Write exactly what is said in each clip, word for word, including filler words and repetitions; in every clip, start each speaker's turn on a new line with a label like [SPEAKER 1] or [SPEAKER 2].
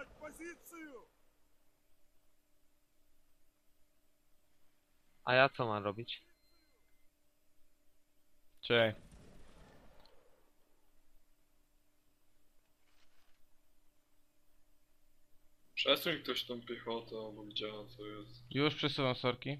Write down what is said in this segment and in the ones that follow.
[SPEAKER 1] A ja co mam robić?
[SPEAKER 2] Czekaj.
[SPEAKER 3] Przesuń ktoś tą piechotę, bo widziałem co jest.
[SPEAKER 2] Już przesuwam sorki.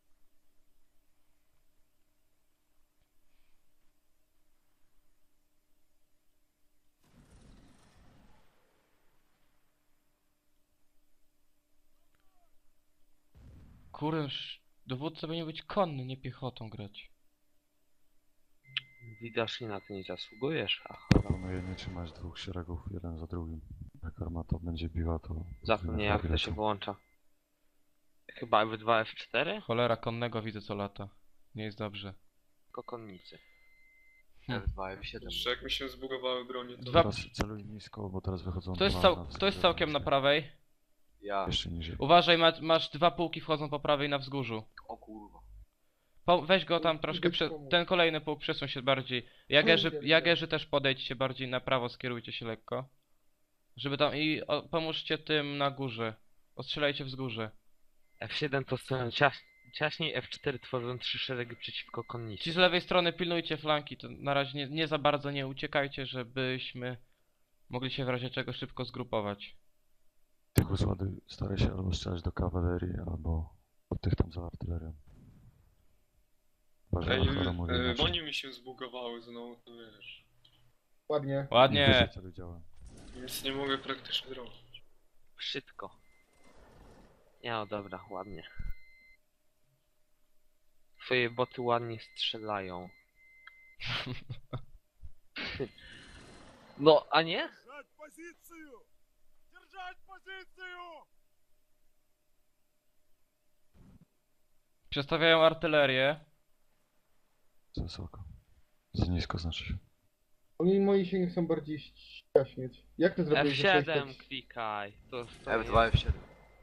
[SPEAKER 2] Kurde, sz- dowódca powinien być konny, nie piechotą grać.
[SPEAKER 1] Widocznie na to nie zasługujesz, aha.
[SPEAKER 4] Planuję nie trzymać dwóch szeregów jeden za drugim. Jak armata będzie biła, to...
[SPEAKER 1] Zapomnę jak to się włącza. Chyba F dwa, F cztery?
[SPEAKER 2] Cholera, konnego widzę co lata. Nie jest dobrze.
[SPEAKER 1] Tylko konnicy.
[SPEAKER 2] Hmm.
[SPEAKER 1] F dwa, F siedem.
[SPEAKER 3] Jeszcze jak mi się zbugowały bronie, to...
[SPEAKER 2] Dwa-
[SPEAKER 4] Teraz celuj nisko, bo teraz wychodzą...
[SPEAKER 2] Kto jest,
[SPEAKER 4] dwa
[SPEAKER 2] cał
[SPEAKER 4] na
[SPEAKER 2] kto jest
[SPEAKER 4] wzgórze
[SPEAKER 2] całkiem na
[SPEAKER 4] niskie.
[SPEAKER 2] prawej?
[SPEAKER 1] Ja.
[SPEAKER 4] Jeszcze niżej.
[SPEAKER 2] Uważaj, ma masz dwa pułki wchodzą po prawej na wzgórzu.
[SPEAKER 1] O kurwa.
[SPEAKER 2] Po weź go tam troszkę, prze ten kolejny pułk przesuń się bardziej. Jagerzy, jagerzy też podejdźcie bardziej na prawo, skierujcie się lekko. Żeby tam i o, pomóżcie tym na górze. Ostrzelajcie wzgórze.
[SPEAKER 1] F siedem to stoją ciaś ciaśniej, F cztery tworzą trzy szeregi przeciwko
[SPEAKER 2] Ci
[SPEAKER 1] konnicy.
[SPEAKER 2] z lewej strony pilnujcie flanki, to na razie nie, nie za bardzo nie uciekajcie, żebyśmy mogli się w razie czego szybko zgrupować.
[SPEAKER 4] Tych usładuj, staraj się albo strzelać do kawalerii, albo od tych tam za artylerią. Uważaj,
[SPEAKER 3] Ej,
[SPEAKER 4] Achara mówi
[SPEAKER 3] e,
[SPEAKER 4] inaczej.
[SPEAKER 3] broni mi się zbugowały znowu, to wiesz.
[SPEAKER 5] Ładnie.
[SPEAKER 2] Ładnie.
[SPEAKER 4] Wyżej celuj działem.
[SPEAKER 3] Nic nie mogę praktycznie zrobić.
[SPEAKER 1] Szybko. Nie no dobra, ładnie. Twoje boty ładnie strzelają. No, a nie?
[SPEAKER 2] Przestawiają artylerię.
[SPEAKER 4] Za wysoko. Za nisko znaczy się.
[SPEAKER 5] Oni moi się nie chcą bardziej ściaśnieć. Jak to
[SPEAKER 1] F
[SPEAKER 5] zrobić? że
[SPEAKER 1] siedem
[SPEAKER 5] coś tak-
[SPEAKER 1] klikaj. To
[SPEAKER 6] F dwa, F siedem.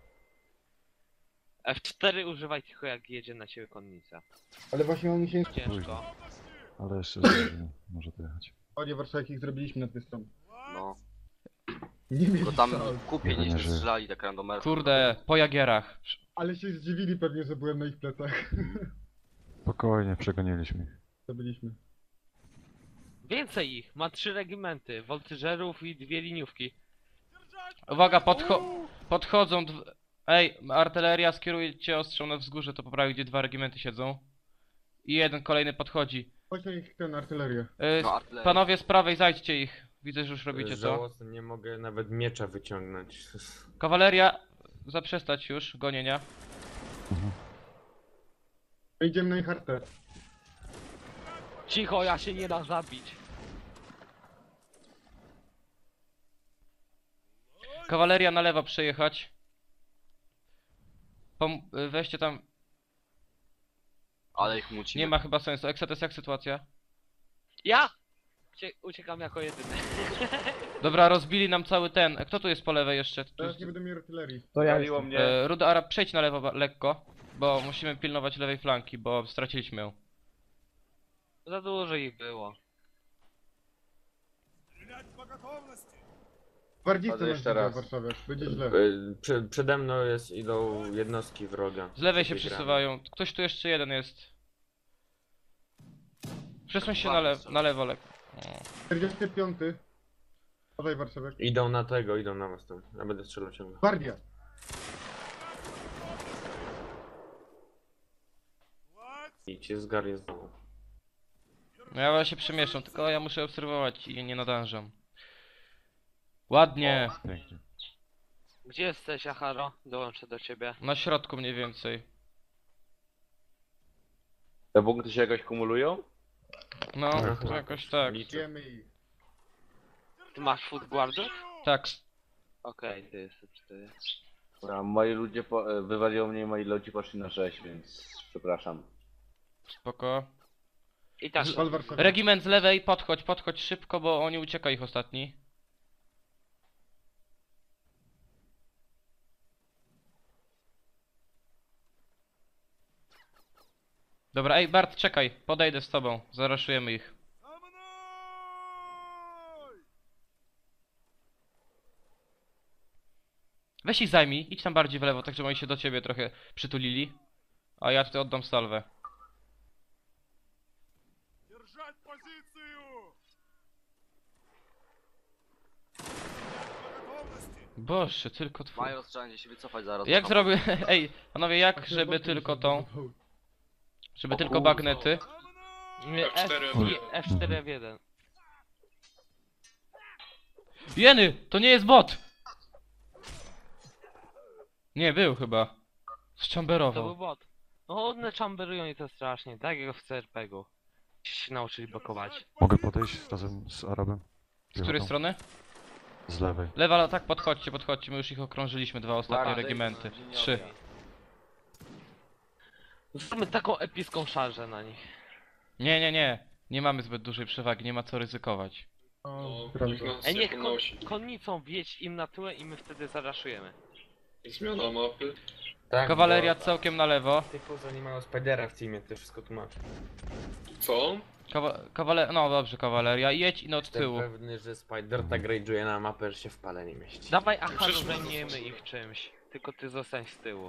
[SPEAKER 1] F cztery używaj tylko jak jedzie na ciebie konnica.
[SPEAKER 5] Ale właśnie oni się...
[SPEAKER 1] Ciężko.
[SPEAKER 4] Ale jeszcze zdążymy. Może to jechać.
[SPEAKER 5] Ładnie Warszawę, ich zrobiliśmy na tej stronie.
[SPEAKER 6] No.
[SPEAKER 5] Nie mieli
[SPEAKER 6] Bo tam
[SPEAKER 5] szans.
[SPEAKER 6] kupię nie
[SPEAKER 4] Nie żyje.
[SPEAKER 6] strzelali tak randomersko.
[SPEAKER 2] Kurde, po jagierach.
[SPEAKER 5] Ale się zdziwili pewnie, że byłem na ich plecach.
[SPEAKER 4] Spokojnie, przegoniliśmy ich.
[SPEAKER 5] To byliśmy.
[SPEAKER 1] Więcej ich. Ma trzy regimenty. Woltyżerów i dwie liniówki.
[SPEAKER 2] Uwaga, podcho podchodzą dw Ej, artyleria, skierujcie ostrzał na wzgórze, to poprawi, gdzie dwa regimenty siedzą. I jeden kolejny podchodzi.
[SPEAKER 5] Chodź na ich ten artylerię.
[SPEAKER 2] Yy,
[SPEAKER 6] No, artyleria.
[SPEAKER 2] panowie z prawej, zajdźcie ich. Widzę, że już robicie to.
[SPEAKER 7] Żałosne, nie mogę nawet miecza wyciągnąć.
[SPEAKER 2] Kawaleria, zaprzestać już gonienia.
[SPEAKER 5] Idziemy na ich artę.
[SPEAKER 1] Cicho, ja się nie da zabić.
[SPEAKER 2] Kawaleria na lewo przejechać. Pom y, weźcie tam.
[SPEAKER 6] Ale ich mucimy.
[SPEAKER 2] Nie ma chyba sensu. Eksetes, jak sytuacja?
[SPEAKER 1] Ja! Ucie uciekam jako jedyny.
[SPEAKER 2] Dobra, rozbili nam cały ten. Kto tu jest po lewej jeszcze? Tu
[SPEAKER 5] Teraz
[SPEAKER 2] jest...
[SPEAKER 5] nie będę miał artylerii.
[SPEAKER 8] To ja
[SPEAKER 9] Paliło
[SPEAKER 8] jestem.
[SPEAKER 9] mnie.
[SPEAKER 2] e, Ruda Arab, przejdź na lewo ba- lekko. Bo musimy pilnować lewej flanki, bo straciliśmy ją.
[SPEAKER 1] Za dużo ich było.
[SPEAKER 5] Bardziej
[SPEAKER 9] Chodzę
[SPEAKER 5] chcę
[SPEAKER 9] jeszcze
[SPEAKER 5] na
[SPEAKER 9] raz.
[SPEAKER 5] Warszawę. Będzie źle.
[SPEAKER 7] Y, Prze przede mną jest, idą jednostki wroga.
[SPEAKER 2] Z lewej się
[SPEAKER 7] Wygramy.
[SPEAKER 2] przesuwają. Ktoś tu jeszcze jeden jest. Przesuń się na, le na lewo lekko. O.
[SPEAKER 5] czterdziesty piąty. Podaj Warszawę.
[SPEAKER 7] Idą na tego, idą na was tam. Ja będę strzelał ciągle.
[SPEAKER 5] Gwardia.
[SPEAKER 7] I cię zgarnie znowu.
[SPEAKER 2] No ja się przemieszczam, tylko ja muszę obserwować i nie nadążam. Ładnie.
[SPEAKER 4] Pięknie.
[SPEAKER 1] Gdzie jesteś, Acharo? Dołączę do ciebie.
[SPEAKER 2] Na środku mniej więcej.
[SPEAKER 9] Te punkty się jakoś kumulują?
[SPEAKER 2] No,
[SPEAKER 7] Tak,
[SPEAKER 2] to
[SPEAKER 7] tak.
[SPEAKER 2] jakoś tak.
[SPEAKER 7] Liczę.
[SPEAKER 5] Wiemy ich.
[SPEAKER 1] Ty masz food guardów?
[SPEAKER 2] Tak.
[SPEAKER 1] Okej, okay, ty jesteś cztery.
[SPEAKER 9] Dobra, moi ludzie po, e, wywaliło mnie i moi ludzie poszli na sześć, więc przepraszam.
[SPEAKER 2] Spoko.
[SPEAKER 1] I tak.
[SPEAKER 5] Wal Warszawę.
[SPEAKER 2] Regiment z lewej, podchodź, podchodź szybko, bo oni ucieka ich ostatni. Dobra, ej Bart, czekaj, podejdę z tobą, zaraszujemy ich. Weź ich zajmij, idź tam bardziej w lewo, tak żeby oni się do ciebie trochę przytulili. A ja tutaj oddam salwę. Boże, tylko twój.
[SPEAKER 6] Major trzeba się wycofać zaraz.
[SPEAKER 2] Jak
[SPEAKER 6] do
[SPEAKER 2] zrobię... Ej, panowie, jak
[SPEAKER 5] Tak,
[SPEAKER 2] żeby
[SPEAKER 5] zobaczmy,
[SPEAKER 2] tylko
[SPEAKER 5] co
[SPEAKER 2] tą...
[SPEAKER 5] to-
[SPEAKER 2] Żeby
[SPEAKER 6] O
[SPEAKER 2] tylko
[SPEAKER 6] kurwa.
[SPEAKER 2] bagnety.
[SPEAKER 1] Nie,
[SPEAKER 3] F cztery,
[SPEAKER 1] F, nie, F cztery F jeden.
[SPEAKER 2] Jeny! To nie jest bot! Nie, był chyba.
[SPEAKER 1] To był
[SPEAKER 2] Zchamberował.
[SPEAKER 1] bot. No one chamberują i to strasznie, tak jak w C R P G-u. Się nauczyli blokować.
[SPEAKER 4] Mogę podejść razem z Arabem?
[SPEAKER 2] Z której
[SPEAKER 4] Piechotą?
[SPEAKER 2] strony?
[SPEAKER 4] Z lewej.
[SPEAKER 2] Lewa, tak, podchodźcie, podchodźcie, my już ich okrążyliśmy, dwa ostatnie
[SPEAKER 6] Dobra,
[SPEAKER 2] regimenty.
[SPEAKER 6] zejdź,
[SPEAKER 2] Trzy.
[SPEAKER 1] Zróbmy taką epicką szarżę na nich.
[SPEAKER 2] Nie, nie, nie. Nie mamy zbyt dużej przewagi, nie ma co ryzykować.
[SPEAKER 5] O,
[SPEAKER 3] No,
[SPEAKER 5] prawda.
[SPEAKER 3] niech nas
[SPEAKER 1] Ej,
[SPEAKER 3] nie
[SPEAKER 1] niech kon
[SPEAKER 3] ponosi.
[SPEAKER 1] konnicą wjedź im na tyłę i my wtedy zaraszujemy.
[SPEAKER 3] Zmiana mapy.
[SPEAKER 7] Tak,
[SPEAKER 2] Kawaleria
[SPEAKER 7] bo-
[SPEAKER 2] całkiem na lewo.
[SPEAKER 7] Typu, że nie mają Spidera w teamie, to wszystko tłumaczy.
[SPEAKER 3] Co?
[SPEAKER 2] Kawa kawale no dobrze, kawaleria. Jedź i no od
[SPEAKER 7] Jestem
[SPEAKER 2] tyłu.
[SPEAKER 7] pewny, że Spider tak rage'uje na mapę, że się w pale nie mieści.
[SPEAKER 1] Dawaj Acharu,
[SPEAKER 3] Przecież my
[SPEAKER 1] zajmiemy
[SPEAKER 3] zostaniemy.
[SPEAKER 1] ich czymś. Tylko ty zostań z tyłu.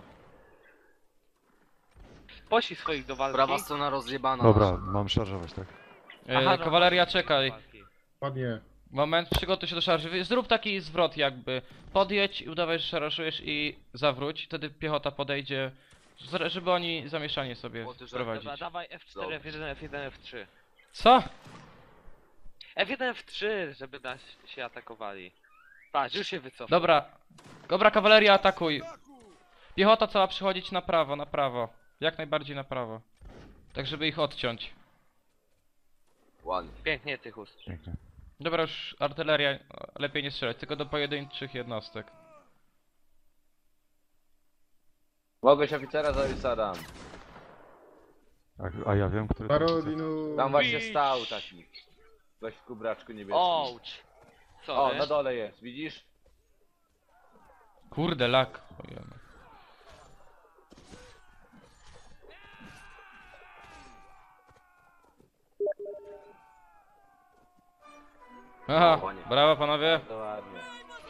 [SPEAKER 1] Posi swoich do walki.
[SPEAKER 6] Prawa strona rozjebana.
[SPEAKER 4] Dobra,
[SPEAKER 6] nasza.
[SPEAKER 4] mam szarżować, tak?
[SPEAKER 2] E,
[SPEAKER 1] Aha, no,
[SPEAKER 2] kawaleria,
[SPEAKER 1] do
[SPEAKER 2] czekaj.
[SPEAKER 1] walki.
[SPEAKER 5] Ładnie.
[SPEAKER 2] Moment, przygotuj się do szarży. Wy- Zrób taki zwrot jakby. Podjedź i udawaj, że szarżujesz i zawróć. Wtedy piechota podejdzie, z- żeby oni zamieszanie sobie
[SPEAKER 6] Bo ty, że-
[SPEAKER 2] wprowadzić.
[SPEAKER 1] Dobra, dawaj F cztery, F jeden, F jeden, F trzy.
[SPEAKER 2] Co?
[SPEAKER 1] F jeden, F trzy, żeby nas się atakowali. Patrz, już się wycofał.
[SPEAKER 2] Dobra. Dobra, kawaleria, atakuj. Piechota cała przychodzić na prawo, na prawo. Jak najbardziej na prawo. Tak, żeby ich odciąć.
[SPEAKER 6] Ładnie.
[SPEAKER 1] Pięknie, Tychus.
[SPEAKER 4] Pięknie.
[SPEAKER 2] Dobra, już artyleria, e, lepiej nie strzelać, tylko do pojedynczych jednostek.
[SPEAKER 9] Mogłeś oficera zabić Saddam.
[SPEAKER 4] A, a ja wiem, który... to-
[SPEAKER 5] Parodinu.
[SPEAKER 9] Tam właśnie
[SPEAKER 1] Bić.
[SPEAKER 9] stał taki. Weź w kubraczku niebieskim.
[SPEAKER 1] Ouch. Co?
[SPEAKER 9] O, na dole jest, widzisz?
[SPEAKER 2] Kurde, lak. Ojej. Aha, brawo panowie.
[SPEAKER 9] To ładnie.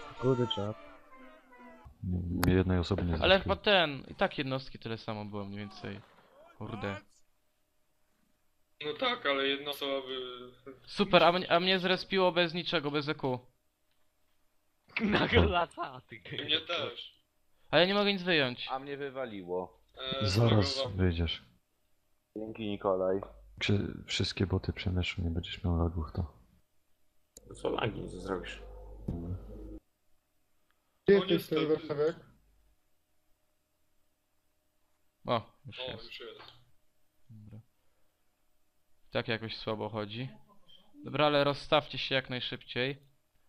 [SPEAKER 4] Mnie jednej osoby nie
[SPEAKER 2] Ale
[SPEAKER 4] załatwiło.
[SPEAKER 2] chyba ten, i tak jednostki tyle samo było mniej więcej. Kurde.
[SPEAKER 3] No tak, ale jedna osoba by...
[SPEAKER 2] Super, a mnie, a mnie zrespiło bez niczego, bez E Q.
[SPEAKER 1] Nagle lata, ty.
[SPEAKER 3] Mnie też.
[SPEAKER 2] A ja nie mogę nic wyjąć.
[SPEAKER 9] A mnie wywaliło.
[SPEAKER 3] E,
[SPEAKER 4] Zaraz
[SPEAKER 3] zlogowałem.
[SPEAKER 4] wyjdziesz.
[SPEAKER 9] Dzięki Nikolaj.
[SPEAKER 4] Jak się wszystkie boty przemieszczą, nie będziesz miał lagów, to...
[SPEAKER 7] Co lagi, co zrobisz?
[SPEAKER 5] Gdzie
[SPEAKER 3] No
[SPEAKER 5] jesteś,
[SPEAKER 3] niestety.
[SPEAKER 5] ten warszawiak?
[SPEAKER 2] O, już
[SPEAKER 3] O,
[SPEAKER 2] jest.
[SPEAKER 3] już jest.
[SPEAKER 2] Dobra. Tak jakoś słabo chodzi. Dobra, ale rozstawcie się jak najszybciej.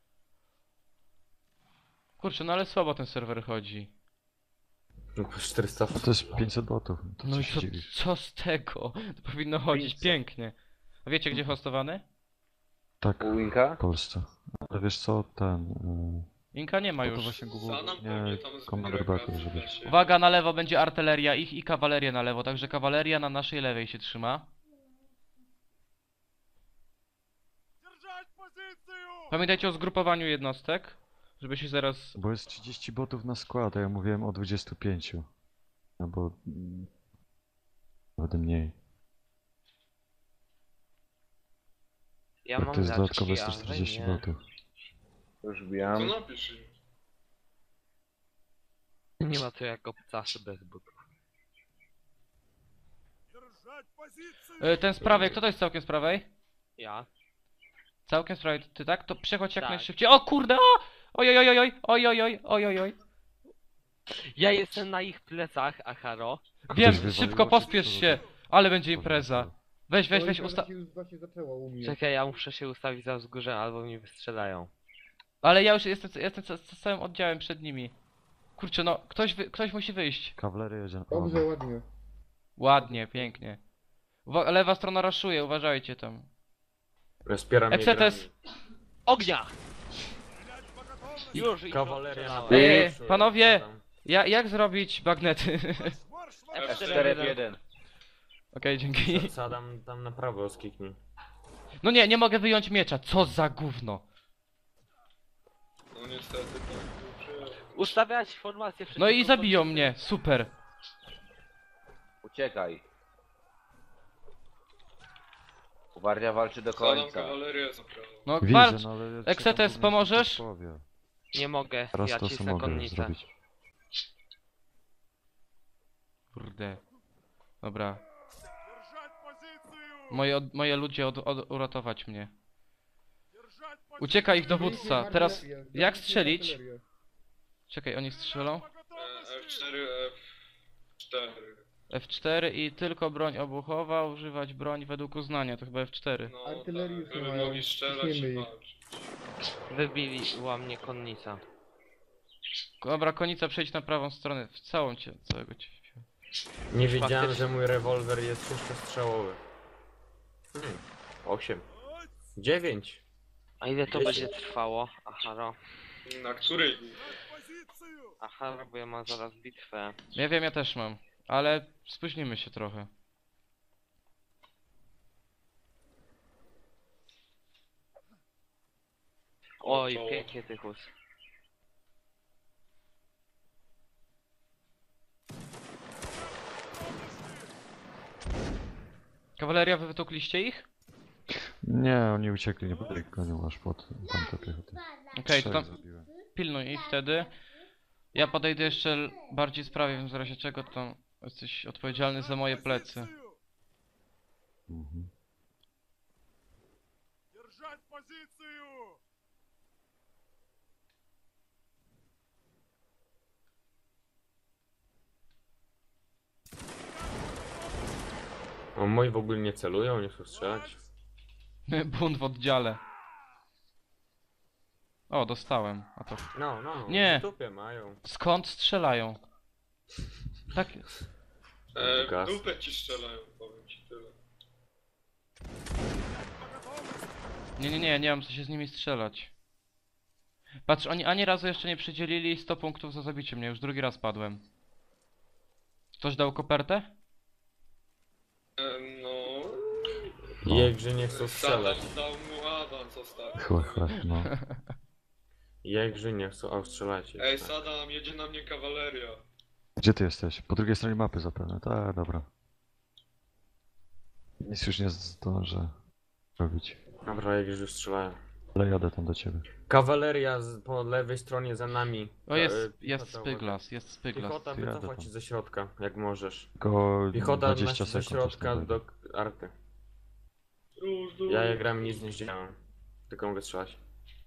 [SPEAKER 2] Kurczę, no ale słabo ten serwer chodzi.
[SPEAKER 7] No po czterysta.
[SPEAKER 4] No to jest pięćset botów, to
[SPEAKER 2] No
[SPEAKER 4] co
[SPEAKER 2] i
[SPEAKER 4] się
[SPEAKER 2] co,
[SPEAKER 4] dziwisz?
[SPEAKER 2] co z tego? To powinno chodzić
[SPEAKER 7] pięćset.
[SPEAKER 2] pięknie. A wiecie gdzie hostowany?
[SPEAKER 4] Tak,
[SPEAKER 9] U Winka?
[SPEAKER 4] w Polsce. Ale wiesz co, ten... Yy,
[SPEAKER 2] Inka nie ma
[SPEAKER 4] no to
[SPEAKER 2] już.
[SPEAKER 4] właśnie
[SPEAKER 3] Sanam
[SPEAKER 4] głównie
[SPEAKER 3] pewnie tam zbiera
[SPEAKER 4] Commander
[SPEAKER 3] kasę
[SPEAKER 4] Backup,
[SPEAKER 3] w
[SPEAKER 4] żeby...
[SPEAKER 3] lesie.
[SPEAKER 2] Uwaga, na lewo będzie artyleria ich i kawaleria na lewo, także kawaleria na naszej lewej się trzyma. Pamiętajcie o zgrupowaniu jednostek, żeby się zaraz...
[SPEAKER 4] Bo jest trzydzieści botów na skład, a ja mówiłem o dwudziestu pięciu. No bo... mm, Nawet mniej.
[SPEAKER 1] Ja
[SPEAKER 4] Tak
[SPEAKER 1] mam
[SPEAKER 4] to jest
[SPEAKER 1] raczki,
[SPEAKER 4] dodatkowe sto
[SPEAKER 1] ale
[SPEAKER 4] czterdzieści
[SPEAKER 1] nie.
[SPEAKER 4] botów.
[SPEAKER 9] Już
[SPEAKER 3] To
[SPEAKER 9] wbijam.
[SPEAKER 3] napisz im.
[SPEAKER 1] Nie ma to jak obcasy bez butów.
[SPEAKER 2] E, ten z prawej, kto to jest całkiem z prawej?
[SPEAKER 1] Ja?
[SPEAKER 2] Całkiem z prawej, ty tak? To przechodź jak
[SPEAKER 1] Tak.
[SPEAKER 2] najszybciej. O kurde, o! Oj, oj, oj, oj, oj, oj, oj, oj, oj, oj.
[SPEAKER 1] Ja jestem na ich plecach, Acharo.
[SPEAKER 2] Wiem,
[SPEAKER 4] wywaliło
[SPEAKER 2] szybko
[SPEAKER 4] się,
[SPEAKER 2] pospiesz
[SPEAKER 4] czy co?
[SPEAKER 2] się, ale będzie impreza. Weź, weź,
[SPEAKER 5] No,
[SPEAKER 2] weź,
[SPEAKER 5] impreza
[SPEAKER 2] usta...
[SPEAKER 5] się już właśnie zaczęła u mnie.
[SPEAKER 1] Czekaj, ja muszę się ustawić za wzgórze, albo mnie wystrzelają.
[SPEAKER 2] Ale ja już jestem, jestem z, z całym oddziałem przed nimi. Kurczę, no, ktoś, wy, ktoś musi wyjść.
[SPEAKER 4] Kawaleria jedzie na...
[SPEAKER 5] Dobrze, ładnie.
[SPEAKER 2] Ładnie, pięknie. Uwa lewa strona raszuje, uważajcie tam.
[SPEAKER 7] Rozpieram
[SPEAKER 2] Exetes.
[SPEAKER 1] Ognia! Już ich
[SPEAKER 7] Kawaleria na
[SPEAKER 1] rozstrzelałem.
[SPEAKER 2] Ej, panowie! Ja, jak zrobić bagnety?
[SPEAKER 1] F
[SPEAKER 9] F
[SPEAKER 1] cztery
[SPEAKER 9] cztery
[SPEAKER 1] F jeden.
[SPEAKER 9] jeden.
[SPEAKER 2] Okej, dzięki.
[SPEAKER 7] Sadam tam na prawo skiknij.
[SPEAKER 2] No nie, nie mogę wyjąć miecza, co za gówno.
[SPEAKER 3] No niestety tak. Dobrze.
[SPEAKER 1] Ustawiać formację
[SPEAKER 2] No i
[SPEAKER 1] przeciwko
[SPEAKER 2] zabiją
[SPEAKER 1] kontrze-
[SPEAKER 2] mnie, super.
[SPEAKER 9] Uciekaj. Gwardia walczy do
[SPEAKER 3] Sadam
[SPEAKER 9] końca.
[SPEAKER 3] kawalerię zabrała.
[SPEAKER 2] No
[SPEAKER 4] Widzę,
[SPEAKER 2] walcz.
[SPEAKER 4] no ale... ja
[SPEAKER 2] Exetes,
[SPEAKER 4] czekam, aż mi
[SPEAKER 2] pomożesz?
[SPEAKER 4] ktoś powie.
[SPEAKER 1] Nie mogę,
[SPEAKER 4] Teraz
[SPEAKER 1] ja
[SPEAKER 4] to co
[SPEAKER 1] cisnę
[SPEAKER 4] mogę
[SPEAKER 1] konnicę.
[SPEAKER 4] zrobić.
[SPEAKER 2] Kurde. Dobra. Moje, od, moje ludzie od, od, uratować mnie. Ucieka ich dowódca. Teraz jak strzelić? Czekaj, oni strzelą?
[SPEAKER 3] E, F cztery, F cztery.
[SPEAKER 2] F cztery i tylko broń obuchowa, używać broń według uznania, to chyba F cztery.
[SPEAKER 3] No
[SPEAKER 5] Artylerii
[SPEAKER 3] tak,
[SPEAKER 5] już nie
[SPEAKER 3] żeby
[SPEAKER 5] mają.
[SPEAKER 3] mogli strzelać
[SPEAKER 5] Ciśnijmy
[SPEAKER 3] i
[SPEAKER 5] ich.
[SPEAKER 3] walczyć.
[SPEAKER 1] Wybiła mnie konnica.
[SPEAKER 2] Dobra, konica przejdź na prawą stronę, w całą cię, całego cię.
[SPEAKER 7] Nie wiedziałem,
[SPEAKER 1] Faktycznie.
[SPEAKER 7] że mój rewolwer jest sześciostrzałowy. Hmm. Osiem. Dziewięć.
[SPEAKER 1] A ile to
[SPEAKER 7] Wiecie.
[SPEAKER 1] będzie trwało? Aha, no.
[SPEAKER 3] Na której?
[SPEAKER 1] Aha, no, bo ja mam zaraz bitwę.
[SPEAKER 2] Ja wiem, ja też mam, ale spóźnimy się trochę.
[SPEAKER 1] Oj,
[SPEAKER 3] to-
[SPEAKER 1] pięknie Tychus.
[SPEAKER 2] Kawaleria, wy wytukliście ich?
[SPEAKER 4] Nie, oni uciekli, nie byli gonią aż pod tamte piechoty.
[SPEAKER 2] Okej, to
[SPEAKER 4] Trzech
[SPEAKER 2] tam
[SPEAKER 4] zabiłem.
[SPEAKER 2] pilnuj ich wtedy. Ja podejdę jeszcze l- bardziej sprawie, w razie czego to jesteś odpowiedzialny za moje plecy.
[SPEAKER 4] Mhm.
[SPEAKER 7] O, moi w ogóle nie celują, nie chcą strzelać.
[SPEAKER 2] Bunt w oddziale. O, dostałem. A to...
[SPEAKER 7] No, no.
[SPEAKER 2] Nie.
[SPEAKER 7] W dupie mają.
[SPEAKER 2] Skąd strzelają? Tak...
[SPEAKER 3] E, w
[SPEAKER 7] Gaz.
[SPEAKER 3] dupę ci strzelają, powiem ci tyle.
[SPEAKER 2] Nie, nie, nie, nie mam co się z nimi strzelać. Patrz, oni ani razu jeszcze nie przydzielili sto punktów za zabicie mnie, już drugi raz padłem. Ktoś dał kopertę?
[SPEAKER 3] E, no...
[SPEAKER 4] No.
[SPEAKER 7] Jakże nie chcą strzelać.
[SPEAKER 3] Sadam dał mu awans ostatnio.
[SPEAKER 4] Chłe, chłe, no.
[SPEAKER 7] Jakże nie chcą, a strzelać.
[SPEAKER 3] Ej, Sadam, jedzie na mnie kawaleria.
[SPEAKER 4] Gdzie ty jesteś? Po drugiej stronie mapy zapewne. Tak, dobra. Nic już nie zdążę robić.
[SPEAKER 7] Dobra, jakże już strzelają.
[SPEAKER 4] Ale jadę tam do ciebie.
[SPEAKER 7] Kawaleria z, po lewej stronie za nami.
[SPEAKER 2] O,
[SPEAKER 7] E,
[SPEAKER 2] jest,
[SPEAKER 7] piechota,
[SPEAKER 2] jest
[SPEAKER 7] uwaga.
[SPEAKER 2] Spyglas, jest Spyglas.
[SPEAKER 7] Piechota,
[SPEAKER 4] Ty jadę
[SPEAKER 7] wycofać
[SPEAKER 4] tam.
[SPEAKER 7] się ze środka, jak możesz.
[SPEAKER 4] Tylko
[SPEAKER 7] Piechota na,
[SPEAKER 4] dwadzieścia
[SPEAKER 7] ze
[SPEAKER 4] sekund.
[SPEAKER 7] środka
[SPEAKER 4] coś tam
[SPEAKER 7] do arty.
[SPEAKER 3] Róż, róż.
[SPEAKER 7] Ja jak gram nic nie zdziałam. Tylko mogę strzelać.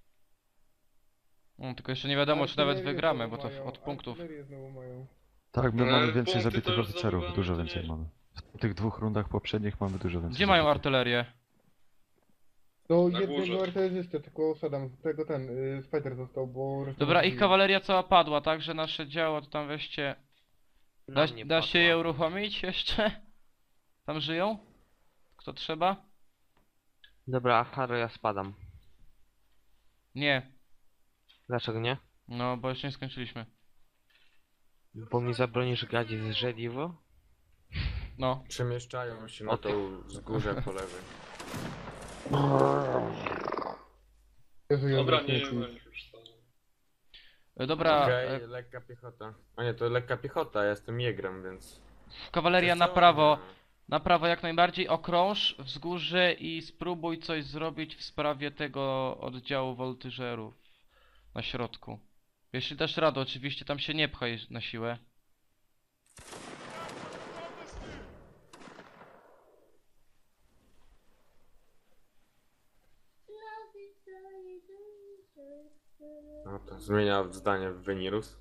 [SPEAKER 2] No, tylko jeszcze nie wiadomo, czy nawet
[SPEAKER 5] Artylerię
[SPEAKER 2] wygramy,
[SPEAKER 5] znowu
[SPEAKER 2] bo to
[SPEAKER 5] mają,
[SPEAKER 2] od punktów.
[SPEAKER 5] artylerię znowu mają.
[SPEAKER 4] Tak, my
[SPEAKER 3] Ale
[SPEAKER 4] mamy więcej
[SPEAKER 3] punkty to
[SPEAKER 4] zabitych
[SPEAKER 3] już
[SPEAKER 4] oficerów,
[SPEAKER 3] zdobywamy,
[SPEAKER 4] dużo
[SPEAKER 3] to
[SPEAKER 4] więcej
[SPEAKER 3] nie.
[SPEAKER 4] mamy. W tych dwóch rundach poprzednich mamy dużo więcej.
[SPEAKER 2] Gdzie mają
[SPEAKER 4] zabitych.
[SPEAKER 2] artylerię?
[SPEAKER 5] Do
[SPEAKER 3] Na
[SPEAKER 5] jednego
[SPEAKER 3] górze.
[SPEAKER 5] artylerzysty, tylko Sadam, tego ten, y, Spider został, bo... reszta
[SPEAKER 2] Dobra, ich
[SPEAKER 5] zabili.
[SPEAKER 2] kawaleria cała padła, tak, że nasze działa to tam weźcie... Da,
[SPEAKER 1] Na mnie
[SPEAKER 2] da się
[SPEAKER 1] padła.
[SPEAKER 2] je uruchomić jeszcze? Tam żyją? Kto trzeba?
[SPEAKER 1] Dobra, Aharo, ja spadam.
[SPEAKER 2] Nie.
[SPEAKER 1] Dlaczego nie?
[SPEAKER 2] No, bo jeszcze nie skończyliśmy.
[SPEAKER 1] Bo mi zabronisz grać z żeliwo?
[SPEAKER 2] No.
[SPEAKER 7] Przemieszczają się na
[SPEAKER 1] O,
[SPEAKER 7] tą wzgórze po lewej.
[SPEAKER 5] Jezu, ja
[SPEAKER 3] Dobra,
[SPEAKER 5] wracam
[SPEAKER 3] nie
[SPEAKER 5] tu.
[SPEAKER 3] ma ich już Sadam.
[SPEAKER 2] E, Dobra,
[SPEAKER 7] Okej,
[SPEAKER 2] e,
[SPEAKER 7] lekka piechota. A nie, to lekka piechota, ja jestem jegrem, więc...
[SPEAKER 2] kawaleria na
[SPEAKER 7] Wiesz co?
[SPEAKER 2] prawo. Na prawo jak najbardziej, okrąż wzgórze i spróbuj coś zrobić w sprawie tego oddziału woltyżerów na środku. Jeśli dasz radę, oczywiście tam się nie pchaj na siłę.
[SPEAKER 7] No to zmienia zdanie w Venirus.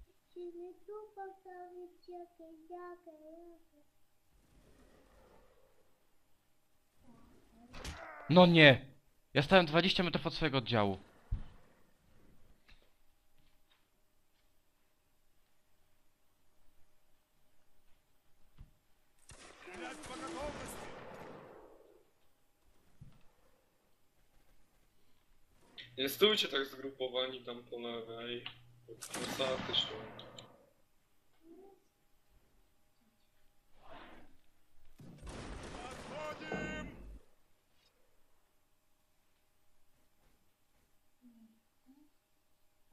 [SPEAKER 2] No nie! Ja stałem dwadzieścia metrów od swojego oddziału.
[SPEAKER 3] Nie stójcie tak zgrupowani tam po lewej. Zasaty szło.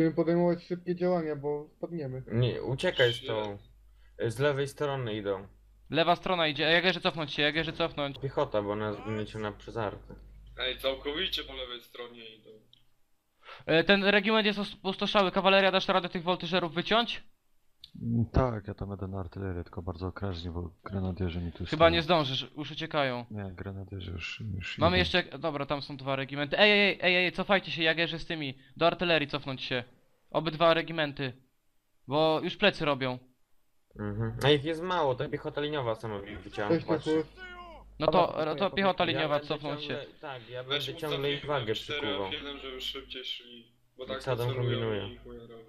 [SPEAKER 5] Musimy podejmować szybkie działania, bo spadniemy.
[SPEAKER 7] Nie, uciekaj z tą. Z lewej strony idą.
[SPEAKER 2] Lewa strona idzie, Jagerzy cofnąć się, Jagerzy cofnąć.
[SPEAKER 7] Piechota, bo nas zgniecie na przezarty.
[SPEAKER 3] Ej, całkowicie po lewej stronie idą.
[SPEAKER 2] E, Ten regiment jest opustoszały, kawaleria, dasz radę tych woltyżerów wyciąć?
[SPEAKER 4] Mm, Tak, ja tam będę na artylerię, tylko bardzo okrężnie, bo grenadierzy mi tu
[SPEAKER 2] Chyba
[SPEAKER 4] stoją.
[SPEAKER 2] nie zdążysz, już uciekają.
[SPEAKER 4] Nie, grenadierzy już, już
[SPEAKER 2] Mamy
[SPEAKER 4] idą.
[SPEAKER 2] jeszcze, dobra, tam są dwa regimenty. Ej, ej, ej, ej, cofajcie się, Jagerzy z tymi. Do artylerii cofnąć się. Obydwa regimenty. Bo już plecy robią.
[SPEAKER 7] Mhm. A ich jest mało, to piechota liniowa sama wyciąłem.
[SPEAKER 5] Cześć, Nikus.
[SPEAKER 2] No to, no to piechota liniowa, cofnąć się.
[SPEAKER 7] Tak, ja
[SPEAKER 3] Weź
[SPEAKER 7] będę
[SPEAKER 3] mu
[SPEAKER 7] ciągle ich wagę
[SPEAKER 3] cztery
[SPEAKER 7] przykuwał.
[SPEAKER 3] F jeden, żeby szybciej szli. Bo
[SPEAKER 7] I
[SPEAKER 3] tak
[SPEAKER 7] co tam
[SPEAKER 3] to celują
[SPEAKER 7] kombinują?
[SPEAKER 3] i chuja robią.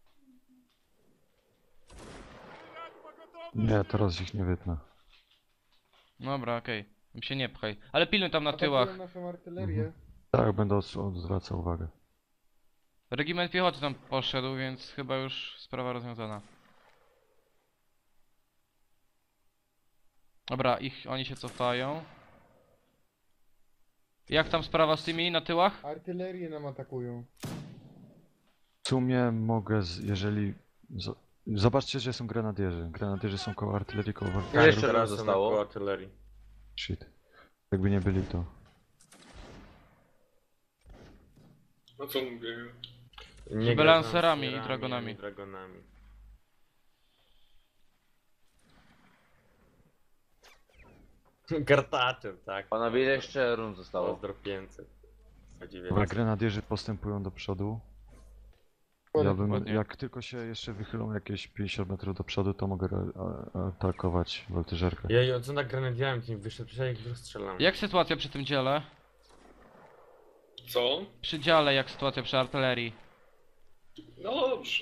[SPEAKER 4] Nie, teraz ich nie wytnę.
[SPEAKER 2] Dobra, okej. Okay. się nie pchaj. Ale pilnuj tam na
[SPEAKER 5] Atakują
[SPEAKER 2] tyłach.
[SPEAKER 5] naszą artylerię.
[SPEAKER 4] Tak, będę od- odwracał uwagę.
[SPEAKER 2] Regiment piechoty tam poszedł, więc chyba już sprawa rozwiązana. Dobra, ich, oni się cofają. Jak tam sprawa z tymi na tyłach?
[SPEAKER 5] Artylerię nam atakują.
[SPEAKER 4] W sumie mogę, z, jeżeli... Z, zobaczcie, że są grenadierzy. Grenadierzy są koło artylerii, koło
[SPEAKER 9] Ile
[SPEAKER 4] walki.
[SPEAKER 9] jeszcze
[SPEAKER 7] teraz
[SPEAKER 9] raz
[SPEAKER 7] są
[SPEAKER 9] zostało?
[SPEAKER 7] koło artylerii.
[SPEAKER 4] Shit. Jakby nie byli to...
[SPEAKER 3] No co mówię?
[SPEAKER 7] Nie
[SPEAKER 2] Chyba
[SPEAKER 7] gra z
[SPEAKER 2] lancerami i
[SPEAKER 7] lancerami,
[SPEAKER 2] dragonami.
[SPEAKER 7] ani dragonami. Kartaczem, tak.
[SPEAKER 9] Panowie, ile jeszcze rund zostało?
[SPEAKER 7] Pozdro pięćset.
[SPEAKER 4] Dobra, grenadierzy postępują do przodu. Ja bym,
[SPEAKER 2] Dokładnie.
[SPEAKER 4] jak tylko się jeszcze wychylą jakieś pięćdziesiąt metrów do przodu, to mogę re- a- atakować woltyżerkę.
[SPEAKER 7] Jej, co tak grenadiałem, to nie wyszedł, przecież ja ich rozstrzelam.
[SPEAKER 2] Jak sytuacja przy tym dziale?
[SPEAKER 3] Co?
[SPEAKER 2] Przy dziale, jak sytuacja przy artylerii?
[SPEAKER 3] No dobrze.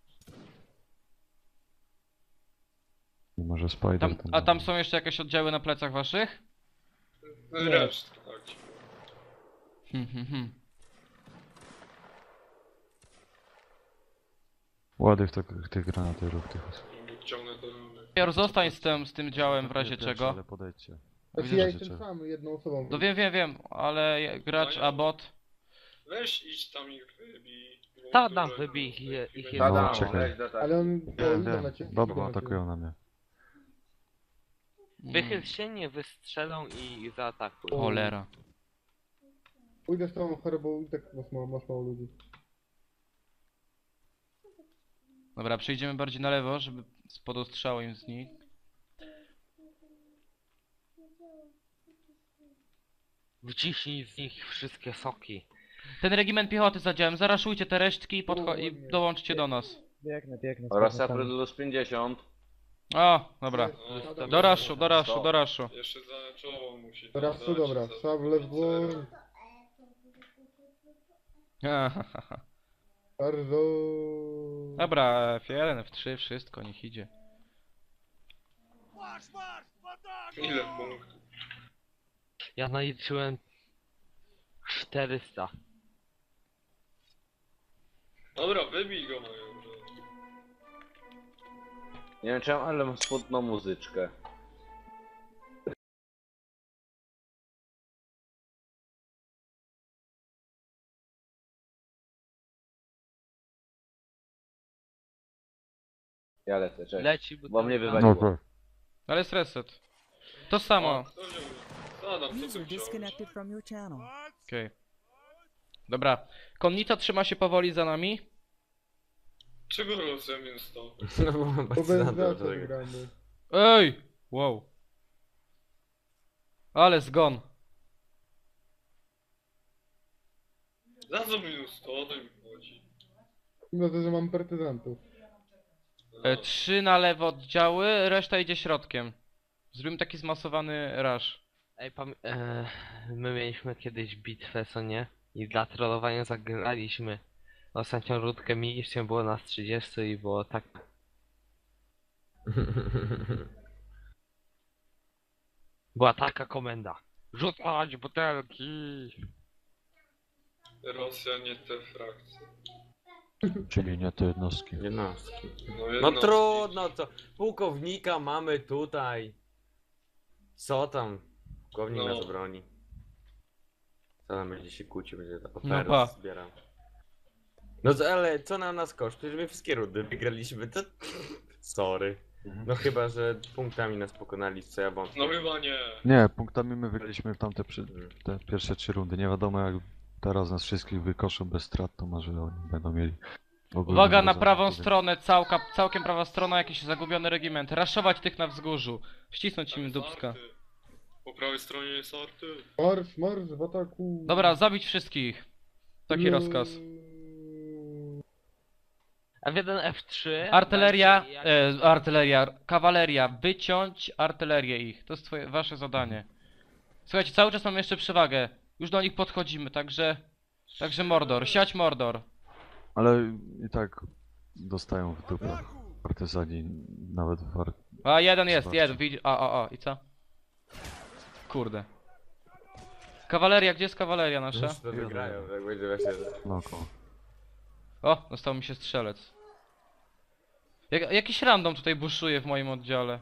[SPEAKER 4] Nie może Spider
[SPEAKER 2] Tam,
[SPEAKER 4] tam...
[SPEAKER 2] a tam są jeszcze jakieś oddziały na plecach waszych?
[SPEAKER 3] Resztę, tak. ci powiem.
[SPEAKER 2] Hmm, hmm, hmm.
[SPEAKER 4] Ładych tych, tych granatierów, tych osób.
[SPEAKER 3] Ciągnę to robię.
[SPEAKER 2] Pior, zostań z tym, z tym działem w razie
[SPEAKER 4] Nie pierwszy,
[SPEAKER 2] czego.
[SPEAKER 4] Ale podejdźcie.
[SPEAKER 5] Znaczy
[SPEAKER 4] Widzę,
[SPEAKER 5] ja
[SPEAKER 4] że
[SPEAKER 5] jestem
[SPEAKER 4] cię-
[SPEAKER 5] sam jedną osobą.
[SPEAKER 2] No wiem, wiem, wiem, ale je- gracz, a bot.
[SPEAKER 3] Weź idź tam ich wybij. bo
[SPEAKER 1] Ta
[SPEAKER 3] dużo
[SPEAKER 1] dam
[SPEAKER 3] ich
[SPEAKER 1] wybij
[SPEAKER 3] tam,
[SPEAKER 1] ich je-
[SPEAKER 3] tak,
[SPEAKER 1] ich
[SPEAKER 3] i
[SPEAKER 1] je-
[SPEAKER 4] No,
[SPEAKER 9] Tadam,
[SPEAKER 4] czekaj.
[SPEAKER 9] weź do tak.
[SPEAKER 5] Ale on... o,
[SPEAKER 4] Wiem,
[SPEAKER 5] idą na
[SPEAKER 4] wiem.
[SPEAKER 5] ciebie.
[SPEAKER 4] Dobra,
[SPEAKER 5] idą na ciebie.
[SPEAKER 4] atakują na mnie.
[SPEAKER 1] Wychyl się, nie wystrzelą i zaatakuj.
[SPEAKER 2] Cholera.
[SPEAKER 5] Pójdę z tą chorobą i tak masz mało, masz mało ludzi.
[SPEAKER 2] Dobra, przejdziemy bardziej na lewo, żeby spod ostrzału im z nich.
[SPEAKER 1] Wyciśnij z nich wszystkie soki.
[SPEAKER 2] Ten regiment piechoty z działem, zaraszujcie te resztki i, podcho- i
[SPEAKER 5] Ładnie.
[SPEAKER 2] dołączcie do nas.
[SPEAKER 8] Biegnę, biegnę.
[SPEAKER 9] Oraz Aprylus pięćdziesiąt.
[SPEAKER 2] O, dobra.
[SPEAKER 3] No,
[SPEAKER 2] Do raszu, do raszu, do raszu.
[SPEAKER 3] Jeszcze za czoło musi. tam
[SPEAKER 5] Teraz tu
[SPEAKER 3] dać,
[SPEAKER 5] dobra,
[SPEAKER 3] za
[SPEAKER 5] szable w dłoń.
[SPEAKER 2] Ahahaha.
[SPEAKER 5] Bardzo...
[SPEAKER 2] Dobra, F jeden, F trzy, wszystko, niech idzie.
[SPEAKER 3] Ile punktów?
[SPEAKER 1] Ja naliczyłem czterysta.
[SPEAKER 3] Dobra, wybij go mają.
[SPEAKER 9] Nie wiem czemu, ale mam smutną muzyczkę. Ja lecę, cześć.
[SPEAKER 1] Leci
[SPEAKER 9] Bo mnie
[SPEAKER 1] butelka.
[SPEAKER 9] wywaliło.
[SPEAKER 4] Dobra.
[SPEAKER 2] Ale jest reset. To samo.
[SPEAKER 3] O, kto wziął? Zadam, co ty
[SPEAKER 8] User
[SPEAKER 3] chciałeś?
[SPEAKER 8] disconnected from your channel.
[SPEAKER 2] Okej. Dobra. Konnica trzyma się powoli za nami.
[SPEAKER 3] Czego losem jest to?
[SPEAKER 7] No bo mam
[SPEAKER 5] To
[SPEAKER 7] bardzo
[SPEAKER 5] bez
[SPEAKER 7] na to,
[SPEAKER 5] zaco
[SPEAKER 7] że-
[SPEAKER 5] gramy.
[SPEAKER 2] Ej! Wow. Ale zgon.
[SPEAKER 3] Za co minus sto? O to mi chodzi.
[SPEAKER 5] Mimo to, że mam partyzantów.
[SPEAKER 2] E, trzy na lewo oddziały, reszta idzie środkiem. Zrobimy taki zmasowany rush.
[SPEAKER 1] Ej, pam- e, my mieliśmy kiedyś bitwę, co nie? I dla trollowania zagraliśmy ostatnią rundkę, mieliśmy, było nas trzydzieści i było tak... Była taka komenda. Rzucać butelki!
[SPEAKER 3] Rosja nie te frakcje.
[SPEAKER 4] Czyli nie te jednostki.
[SPEAKER 3] No,
[SPEAKER 7] Jednostki. No
[SPEAKER 3] jednostki.
[SPEAKER 7] trudno, co? Pułkownika mamy tutaj. Co tam? Pułkownik
[SPEAKER 3] No.
[SPEAKER 7] nas broni. Co tam będzie się kłócił, będzie ta
[SPEAKER 2] No
[SPEAKER 7] oferta
[SPEAKER 2] pa.
[SPEAKER 7] zbierał. No co- ale co nam nas kosztuje, że my wszystkie rundy wygraliśmy, to... Sorry. No chyba, że punktami nas pokonali, w co ja wątpię.
[SPEAKER 3] No chyba nie.
[SPEAKER 4] Nie, punktami my wygraliśmy w tamte przy, te pierwsze trzy rundy. Nie wiadomo jak teraz nas wszystkich wykoszą bez strat, to może oni będą mieli... ogólnie
[SPEAKER 2] Uwaga na
[SPEAKER 4] rozwiązanie,
[SPEAKER 2] prawą
[SPEAKER 4] więc-
[SPEAKER 2] stronę, całka, całkiem prawa strona, jakiś zagubiony regiment. Raszować tych na wzgórzu. Ścisnąć im dupska.
[SPEAKER 3] Arty. Po prawej stronie jest arty.
[SPEAKER 5] Marsz, marsz w ataku.
[SPEAKER 2] Dobra, zabić wszystkich. Taki rozkaz.
[SPEAKER 1] F jeden, F trzy.
[SPEAKER 2] Artyleria,
[SPEAKER 1] dajcie jak-
[SPEAKER 2] e, artyleria, kawaleria, wyciąć artylerię ich. To jest twoje, wasze zadanie. Słuchajcie, cały czas mamy jeszcze przewagę. Już do nich podchodzimy, także... Także Mordor, siać Mordor.
[SPEAKER 4] Ale i tak dostają w dupę partyzani, nawet w ar...
[SPEAKER 2] A jeden jest,
[SPEAKER 4] Zobaczcie.
[SPEAKER 2] jeden, widzi... A, a, a, i co? Kurde. Kawaleria, gdzie jest kawaleria nasza?
[SPEAKER 7] Już to wygrają, jak będzie właśnie...
[SPEAKER 4] no koło.
[SPEAKER 2] O, dostał mi się strzelec. Jak, jakiś random tutaj buszuje w moim oddziale.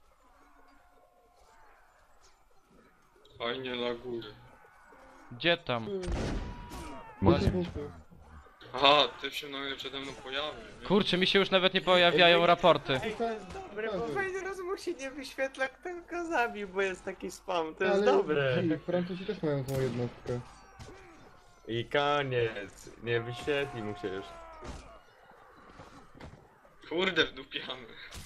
[SPEAKER 3] Fajnie laguje.
[SPEAKER 2] Gdzie tam?
[SPEAKER 4] Może
[SPEAKER 5] Punkty,
[SPEAKER 4] mieć.
[SPEAKER 5] punkty.
[SPEAKER 3] Aha, ty się nagle przede mną pojawił. nie?
[SPEAKER 2] Kurczę, mi się już nawet nie pojawiają raporty.
[SPEAKER 7] Dobre, bo fajny raz mu się nie wyświetla, kto go zabił, bo jest taki spam, to jest
[SPEAKER 5] Ale
[SPEAKER 7] dobre.
[SPEAKER 5] ci, Francuzi też mają tą jednostkę.
[SPEAKER 7] I koniec, nie wyświetli mu się już.
[SPEAKER 3] Kurde, wdupiamy.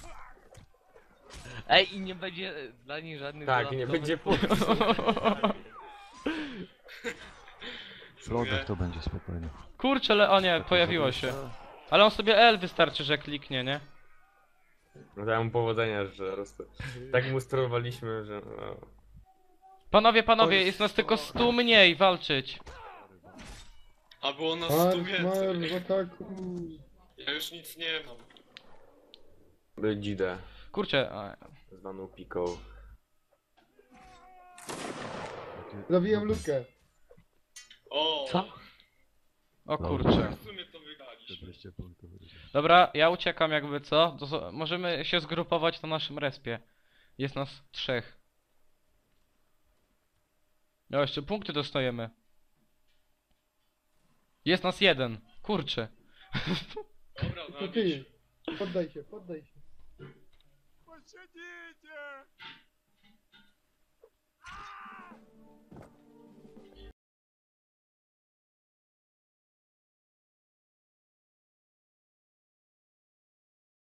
[SPEAKER 1] Ej, i nie będzie e, dla nich żadnych
[SPEAKER 7] Tak, i nie
[SPEAKER 1] dodatkowych
[SPEAKER 7] będzie
[SPEAKER 1] punktów.
[SPEAKER 7] punktów.
[SPEAKER 4] W lodach to będzie spokojnie.
[SPEAKER 2] Kurczę, ale o nie, pojawiło się. Ale on sobie L wystarczy, że kliknie, nie?
[SPEAKER 7] No dałem mu powodzenia, że po prostu. Tak mu sterowaliśmy, że... No.
[SPEAKER 2] Panowie, panowie, jest nas tylko stu mniej walczyć.
[SPEAKER 3] A było nas
[SPEAKER 5] Marsz,
[SPEAKER 3] stu
[SPEAKER 5] marsz
[SPEAKER 3] więcej.
[SPEAKER 5] w ataku.
[SPEAKER 3] Ja już nic nie mam.
[SPEAKER 7] By dzidę,
[SPEAKER 2] Kurczę, a,
[SPEAKER 7] zwaną piką.
[SPEAKER 5] Zabiłem lukę.
[SPEAKER 3] O!
[SPEAKER 1] Co?
[SPEAKER 2] o kurczę.
[SPEAKER 3] W sumie to wygraliśmy.
[SPEAKER 4] czterdzieści punktów.
[SPEAKER 2] Dobra, ja uciekam jakby co. To, zo- możemy się zgrupować na naszym respie. Jest nas trzech. No jeszcze punkty dostajemy. Jest nas jeden. Kurczę.
[SPEAKER 3] Dobra,
[SPEAKER 5] To
[SPEAKER 3] zabić.
[SPEAKER 5] ty. Poddaj się, poddaj się.
[SPEAKER 7] Pociągnijcie!